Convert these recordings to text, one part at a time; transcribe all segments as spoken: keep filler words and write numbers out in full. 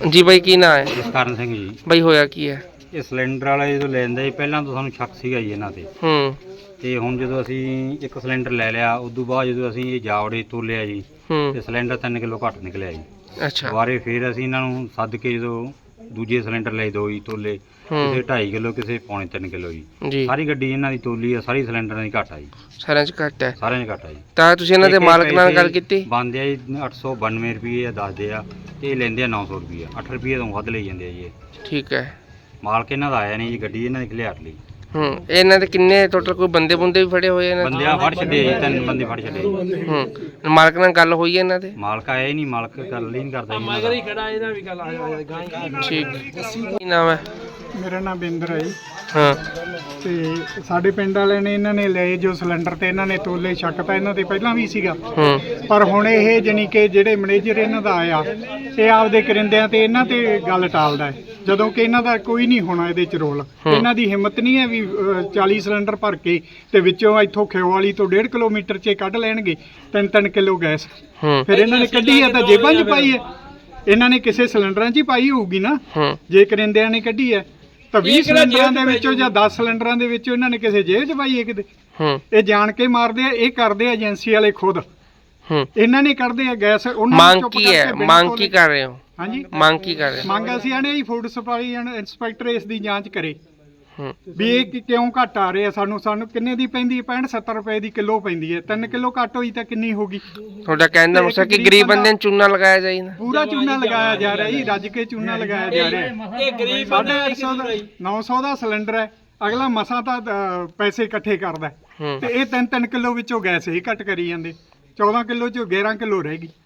जी भाई की ना है ਜਸਕਰਨ ਸਿੰਘ ਜੀ। भाई होया की है? ਇਹ ਸਿਲੰਡਰ ਵਾਲਾ ਜਦੋਂ ਲੈਂਦਾ ਜੀ ਪਹਿਲਾਂ ਤਾਂ ਸਾਨੂੰ ਸ਼ੱਕ ਸੀਗਾ ਜੀ ਇਹਨਾਂ ਤੇ हम्म ਤੇ ਹੁਣ ਜਦੋਂ ਅਸੀਂ ਇੱਕ ਸਿਲੰਡਰ ਲੈ ਲਿਆ ਉਸ ਤੋਂ ਬਾਅਦ ਜਦੋਂ ਅਸੀਂ ਇਹ ਜਾਵੜੇ ਤੋਲਿਆ ਜੀ हम्म ਤੇ ਸਿਲੰਡਰ ਤਿੰਨ ਕਿਲੋ ਘੱਟ ਨਿਕਲਿਆ ਜੀ। अच्छा ਦੁਬਾਰੇ ਫਿਰ ਅਸੀਂ ਇਹਨਾਂ ਨੂੰ ਸੱਦ ਕੇ ਜਦੋਂ ਦੂਜੇ ਸਿਲੰਡਰ ਲਏ ਦੋ ਜੀ ਤੋਲੇ, ਕਿਸੇ ਢਾਈ ਕਿਲੋ ਕਿਸੇ ਪੌਣੇ ਤਿੰਨ ਕਿਲੋ ਜੀ। जी ਸਾਰੀ ਗੱਡੀ ਇਹਨਾਂ ਦੀ ਤੋਲੀ ਆ, ਸਾਰੀ ਸਿਲੰਡਰਾਂ ਦੀ ਘੱਟ ਆ ਜੀ, सारे च घट है ਸਾਰਿਆਂ ਦੀ ਘੱਟ ਆ ਜੀ। ਤਾਂ ਤੁਸੀਂ ਇਹਨਾਂ ਦੇ ਮਾਲਕ ਨਾਲ ਗੱਲ ਕੀਤੀ? ਬੰਦੇ ਆ ਜੀ ਅੱਠ ਸੌ ਬਾਨਵੇਂ ਰੁਪਏ ਆ ਦੱਸਦੇ ਆ ਤੇ ਇਹ ਲੈਂਦੇ ਆ ਨੌ ਸੌ ਰੁਪਏ, ਅੱਠ ਰੁਪਏ ਤੋਂ ਵੱਧ ਲਈ ਜਾਂਦੇ ਆ ਜੀ ਇਹ। ठीक है। ਮਾਲਕ ਇਹਨਾਂ ਦਾ ਆਇਆ ਨਹੀਂ ਜੀ, ਗੱਡੀ ਇਹਨਾਂ ਦੀ ਖਲਿਆਰ ਲਈ। ਹੂੰ ਇਹਨਾਂ ਦੇ ਕਿੰਨੇ ਟੋਟਲ ਕੋਈ ਬੰਦੇ ਬੁੰਦੇ ਵੀ ਫੜੇ ਹੋਏ ਇਹਨਾਂ ਦੇ? ਬੰਦੇ ਆ ਫੜ ਛੱਡੇ ਜੀ, ਤਿੰਨ ਬੰਦੇ ਫੜ ਛੱਡੇ ਜੀ। ਹੂੰ ਮਾਲਕ ਨਾਲ ਗੱਲ ਹੋਈ ਹੈ ਇਹਨਾਂ ਦੇ? ਮਾਲਕ ਆਇਆ ਹੀ ਨਹੀਂ, ਮਾਲਕ ਗੱਲ ਹੀ ਨਹੀਂ ਕਰਦਾ ਜੀ ਮਗਰ ਹੀ ਖੜਾ ਇਹਦਾ ਵੀ ਗੱਲ ਆ। ਠੀਕ। ਕੀ ਨਾਮ ਹੈ? ਮੇਰਾ ਨਾਮ ਬਿੰਦਰ ਹੈ ਜੀ। ਹਾਂ ਤੇ ਸਾਡੇ ਪਿੰਡ ਵਾਲਿਆਂ ਨੇ ਇਹਨਾਂ ਨੇ ਲਏ ਜੋ ਸਿਲੰਡਰ ਤੇ ਇਹਨਾਂ ਨੇ ਤੋਲੇ, ਸ਼ੱਕ ਤਾਂ ਇਹਨਾਂ ਤੇ ਪਹਿਲਾਂ ਵੀ ਸੀਗਾ, ਹੂੰ ਪਰ ਹੁਣ ਇਹ ਜਾਣੀ ਕਿ ਜਿਹੜੇ ਮੈਨੇਜਰ ਇਹਨਾਂ ਦਾ ਆਇਆ ਇਹ ਆਪਦੇ ਕਰਿੰਦਿਆਂ ਤੇ ਇਹਨਾਂ ਤੇ ਗੱਲ ਟਾਲਦਾ ਹੈ, ਜਦੋਂ ਕਿ ਇਹਨਾਂ ਦਾ ਕੋਈ ਨਹੀਂ ਹੋਣਾ ਇਹਦੇ ਚ ਰੋਲ। ਇਹਨਾਂ ਦੀ ਹਿੰਮਤ ਨਹੀਂ ਹੈ ਵੀ ਅਹ, ਚਾਲੀ ਸਿਲੰਡਰ ਭਰ ਕੇ ਤੇ ਵਿੱਚੋਂ ਇੱਥੋਂ ਖਿਓ ਵਾਲੀ ਤੋਂ ਡੇਢ ਕਿਲੋਮੀਟਰ 'ਚ ਕੱਢ ਲੈਣਗੇ ਤਿੰਨ ਤਿੰਨ ਕਿਲੋ ਗੈਸ। ਹੂੰ ਫਿਰ ਇਹਨਾਂ ਨੇ ਕੱਢੀ ਹੈ ਤਾਂ ਜੇਬਾਂ 'ਚ ਪਾਈ ਹੈ, ਇਹਨਾਂ ਨੇ ਕਿਸੇ ਸਿਲੰਡਰਾਂ 'ਚ ਹੀ ਪਾਈ ਹੋਊਗੀ ਨਾ। ਹੂੰ ਜੇ ਕਰਿੰਦਿਆਂ ਨੇ ਕੱਢੀ ਹੈ ਤਾਂ ਵੀਹ ਸਿਲੰਡਰਾਂ ਦੇ ਵਿੱਚੋਂ ਜਾਂ ਦਸ ਸਿਲੰਡਰਾਂ ਦੇ ਵਿੱਚੋਂ ਇਹਨਾਂ ਨੇ ਕਿਸੇ ਜੇਬ 'ਚ ਪਾਈ ਹੈ ਕਿਤੇ। ਹੂੰ ਇਹ ਜਾਣ ਕੇ ਮਾਰਦੇ ਆ, ਇਹ ਕਰਦੇ ਆ ਏਜੰਸੀ ਵਾਲੇ ਖੁਦ। ਹੂੰ ਇਹਨਾਂ ਨੇ ਕੱਢਦੇ ਆ ਗੈਸ। ਉਹਨਾਂ ਮੰਗ ਚੁੱਪ ਕੀ ਕਰਕੇ ਹੈ? ਬਿਨਾਂ ਮੰਗ ਤੋਲੇ- ਕੀ ਕਰ ਰਹੇ ਹੋ? ਹਾਂਜੀ ਮੰਗ ਕੀ ਕਰ ਰਹੇ ਹੋ? ਮੰਗ ਅਸੀਂ ਆਣੇ ਜੀ ਫੂਡ ਸਪਲਾਈ ਇੰਸਪੈਕਟਰ ਇਸ ਦੀ ਜਾਂਚ ਕਰੇ ਹੂੰ ਵੀ ਇਹ ਕਿ- ਕਿਉਂ ਘੱਟ ਆ ਰਹੇ ਆ। ਸਾਨੂੰ ਸਾਨੂੰ ਕਿੰਨੇ ਦੀ ਪੈਂਦੀ ਹੈ? ਪੈਂਹਠ ਸੱਤਰ ਰੁਪਏ ਦੀ ਕਿਲੋ ਪੈਂਦੀ ਹੈ। ਤਿੰਨ ਕਿਲੋ ਘੱਟ ਹੋਈ ਤਾਂ ਕਿੰਨੀ ਹੋਗੀ? ਤੁਹਾਡਾ ਕਹਿਣ ਦਾ ਮਕਸਦ ਕਿ ਗਰੀਬ ਬੰਦੇ ਨੂੰ ਚੂਨਾ ਲਗਾਇਆ ਜਾਏ ਨਾ? ਪੂਰਾ ਚੂਨਾ ਲਗਾਇਆ ਜਾ ਰਿਹਾ ਜੀ, ਰੱਜ ਕੇ ਚੂਨਾ ਲਗਾਇਆ ਜਾ ਰਿਹਾ। ਇਹ ਗਰੀਬ ਸਾਢੇ ਅੱਠ ਸੌ ਦਾ ਨੌ ਸੌ ਦਾ ਸਿਲੰਡਰ ਹੈ, ਅਗਲਾ ਮਸਾਂ ਤਾਂ ਅਹ, ਪੈਸੇ ਇਕੱਠੇ ਕਰਦਾ ਹੈ। ਹੂੰ ਤੇ ਇਹ ਤਿੰਨ ਤਿੰਨ ਕਿਲੋ ਵਿੱਚੋਂ ਗੈਸ ਹੀ ਘੱਟ ਕਰੀ ਜਾਂਦੇ। ਚੌਦਾਂ ਕਿਲੋ ਚੋਂ ਗਿਆਰਾਂ ਕਿਲੋ ਰਹਿ ਗਈ।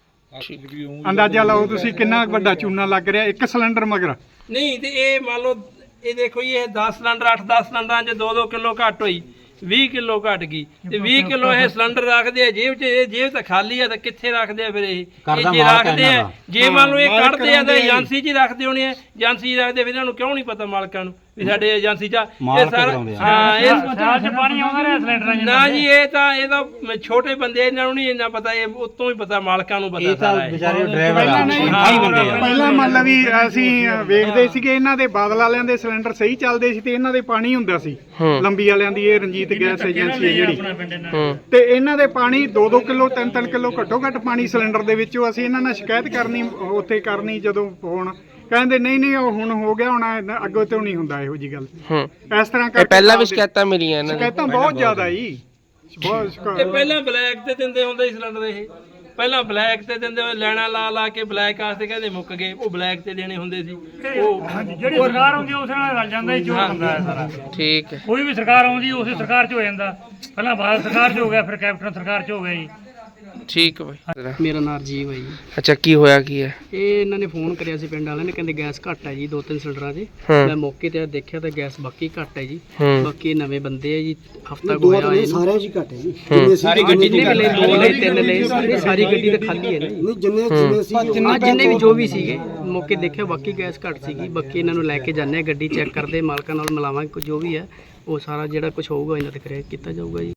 ਅੰਦਾਜ਼ਾ ਲਾਓ ਤੁਸੀਂ ਕਿੰਨਾ ਵੱਡਾ ਚੂਨਾ ਲੱਗ ਰਿਹਾ ਇੱਕ ਸਿਲੰਡਰ ਮਗਰ। ਨਹੀਂ ਤੇ ਇਹ ਮੰਨ ਲਓ ਇਹ ਦੇਖੋ ਜੀ, ਇਹ ਦਸ ਸਿਲੰਡਰ ਅੱਠ ਦਸ ਸਿਲੰਡਰਾਂ 'ਚ ਦੋ ਦੋ ਕਿਲੋ ਘੱਟ ਹੋਈ, ਵੀਹ ਕਿਲੋ ਘੱਟ ਗਈ ਤੇ ਵੀਹ ਕਿਲੋ ਇਹ ਸਿਲੰਡਰ ਰੱਖਦੇ ਆ ਜੇਬ 'ਚ। ਇਹ ਜੇਬ ਤਾਂ ਖਾਲੀ ਆ ਤਾਂ ਕਿੱਥੇ ਰੱਖਦੇ ਆ ਫਿਰ? ਇਹ ਇਹ ਜੇ ਰੱਖਦੇ ਆ, ਜੇ ਮੰਨ ਲਓ ਇਹ ਕੱਢਦੇ ਆ ਤਾਂ ਏਜੰਸੀ 'ਚ ਹੀ ਰੱਖਦੇ ਹੋਣੇ ਆ। ਏਜੰਸੀ 'ਚ ਰੱਖਦੇ ਫਿਰ ਇਹਨਾਂ ਨੂੰ ਕਿਉਂ ਨਹੀਂ ਪਤਾ ਮਾਲਕਾਂ ਨੂੰ ਵੀ ਸਾਡੇ ਏਜੰਸੀ 'ਚ ਇਹ ਸਾਰਾ ਹਾਂ ਇਹ ਸਾਲ 'ਚ ਪਾਣੀ ਆਉਂਦਾ ਰਿਹਾ ਸਿਲੰਡਰਾਂ 'ਚ ਨਾ ਜੀ। ਇਹ ਤਾਂ ਇਹ ਤਾਂ ਛੋਟੇ ਬੰਦੇ, ਇਹਨਾਂ ਨੂੰ ਨਹੀਂ ਇੰਨਾ ਪਤਾ, ਇਹ ਉਤੋਂ ਹੀ ਪਤਾ ਮਾਲਕਾਂ ਨੂੰ ਪਤਾ ਸਾਰਾ। ਵਿਚਾਰੇ ਡਰਾਈਵਰ ਪਹਿਲਾਂ ਨਹੀਂ, ਪਹਿਲਾਂ ਮੰਨ ਲਾ ਵੀ ਅਸੀਂ ਵੇਖਦੇ ਸੀਗੇ ਇਹਨਾਂ ਦੇ ਬਾਦਲ ਵਾਲਿਆਂ ਦੇ ਸਿਲੰਡਰ ਸਹੀ ਚੱਲਦੇ ਸੀ ਤੇ ਇਹਨਾਂ ਦੇ ਪਾਣੀ ਹੁੰਦਾ ਸੀ। ਲੰਬੀ ਵਾਲਿਆਂ ਦੀ ਇਹ ਰਣਜੀਤ ਗੈਸ ਏਜੰਸੀ ਹੈ ਜਿਹੜੀ, ਹੂੰ ਤੇ ਇਹਨਾਂ ਦੇ ਪਾਣੀ ਦੋ ਦੋ ਕਿਲੋ ਤਿੰਨ ਤਿੰਨ ਕਿਲੋ ਘੱਟੋ ਘੱਟ ਪਾਣੀ ਸਿਲੰਡਰ ਦੇ ਵਿੱਚੋਂ। ਅਸੀਂ ਇਹਨਾਂ ਨਾਲ ਸ਼ਿਕਾਇਤ ਕਰਨੀ ਉੱਥੇ ਕਰਨੀ, ਜਦੋਂ ਫੋਨ ਕਹਿੰਦੇ ਨਹੀਂ ਨਹੀਂ ਉਹ ਹੁਣ ਹੋ ਗਿਆ, ਹੁਣ ਅੱਗੋਂ ਤੋਂ ਨਹੀਂ ਹੁੰਦਾ ਇਹੋ ਜੀ ਗੱਲ। ਹੂੰ ਇਸ ਤਰ੍ਹਾਂ ਇਹ ਕਰਕੇ ਪਹਿਲਾਂ ਵੀ ਸ਼ਿਕਾਇਤਾਂ ਮਿਲੀਆਂ ਇਹਨਾਂ ਦੀ? ਸ਼ਿਕਾਇਤਾਂ ਬਹੁਤ ਜ਼ਿਆਦਾ ਜੀ, ਬਹੁਤ ਇਹ ਸ਼ਿਕਾਇਤ। ਪਹਿਲਾਂ ਬਲੈਕ ਤੇ ਦਿੰਦੇ ਹੁੰਦੇ ਸੀ ਸਿਲੰਡਰ। ਇਹ ਪਹਿਲਾਂ ਬਲੈਕ ਤੇ ਦਿੰਦੇ ਹੋਏ ਲੈਣਾ ਲਾ ਲਾ ਕੇ ਬਲੈਕ ਆਸਤੇ ਕਹਿੰਦੇ ਮੁੱਕ ਗਏ, ਉਹ ਬਲੈਕ ਤੇ ਦੇਣੇ ਹੁੰਦੇ ਸੀ। ਉਹ ਜਿਹੜੀ ਸਰਕਾਰ ਆਉਂਦੀ ਉਸ ਨਾਲ ਰਲ ਜਾਂਦਾ ਜੀ, ਜੋ ਹੁੰਦਾ ਹੈ ਸਾਰਾ। ਠੀਕ ਹੈ। ਕੋਈ ਵੀ ਸਰਕਾਰ ਆਉਂਦੀ ਉਸੇ ਸਰਕਾਰ 'ਚ ਹੋ ਜਾਂਦਾ। ਪਹਿਲਾਂ ਭਾਰਤ ਸਰਕਾਰ 'ਚ ਹੋ ਗਿਆ, ਫਿਰ ਕੈਪਟਨ ਸਰਕਾਰ 'ਚ ਹੋ ਗਿਆ ਜੀ। ਠੀਕ ਹੈ ਭਾਈ। ਮੇਰਾ ਨਾਂ ਰਾਜੀਵ ਹੈ ਜੀ। ਅੱਛਾ ਕੀ ਹੋਇਆ ਕੀ ਹੈ? ਇਹ ਇਹਨਾਂ ਨੇ ਫੋਨ ਕਰਿਆ ਸੀ ਪਿੰਡ ਵਾਲਿਆਂ ਨੇ, ਕਹਿੰਦੇ ਗੈਸ ਘੱਟ ਹੈ ਜੀ ਦੋ ਤਿੰਨ ਸਿਲੰਡਰਾਂ 'ਚ। ਹੂੰ ਮੈਂ ਮੌਕੇ ਤੇ ਦੇਖਿਆ ਤਾਂ ਗੈਸ ਬਾਕੀ ਘੱਟ ਹੈ ਜੀ। ਹੂੰ ਬਾਕੀ ਇਹ ਨਵੇਂ ਬੰਦੇ ਆ ਜੀ, ਹਫਤਾ ਕੁ ਹੋਇਆ ਇਹਨੂੰ। ਸਾਰਿਆਂ ਜੀ ਘੱਟ ਹੈ ਜੀ। ਹੂੰ ਸਾਰੀ ਗੱਡੀ ਦੇ ਲਈ ਦੋ ਲਈ ਤਿੰਨ ਲਈ ਸਾਰੀ ਸਾਰੀ ਗੱਡੀ ਤਾਂ ਖਾਲੀ ਹੈ ਨਾ ਜੀ। ਨਹੀਂ ਜਿੰਨੇ ਜਿੰਨੇ ਸੀ ਆ ਜਿੰਨੇ ਵੀ ਜੋ ਵੀ ਸੀਗੇ ਮੌਕੇ ਦੇਖਿਆ ਬਾਕੀ ਗੈਸ ਘੱਟ ਸੀਗੀ। ਬਾਕੀ ਇਹਨਾਂ ਨੂੰ ਲੈ ਕੇ ਜਾਂਦੇ ਆ, ਗੱਡੀ ਚੈੱਕ ਕਰਦੇ, ਮਾਲਕਾਂ ਨਾਲ ਮਿਲਾਵਾਂਗੇ, ਜੋ ਵੀ ਹੈ ਉਹ ਸਾਰਾ ਜਿਹੜਾ ਕੁਝ ਹੋਊਗਾ ਇਹਨਾਂ ਤੇ ਕਰਿਆ ਕੀਤਾ ਜਾਊਗਾ ਜੀ।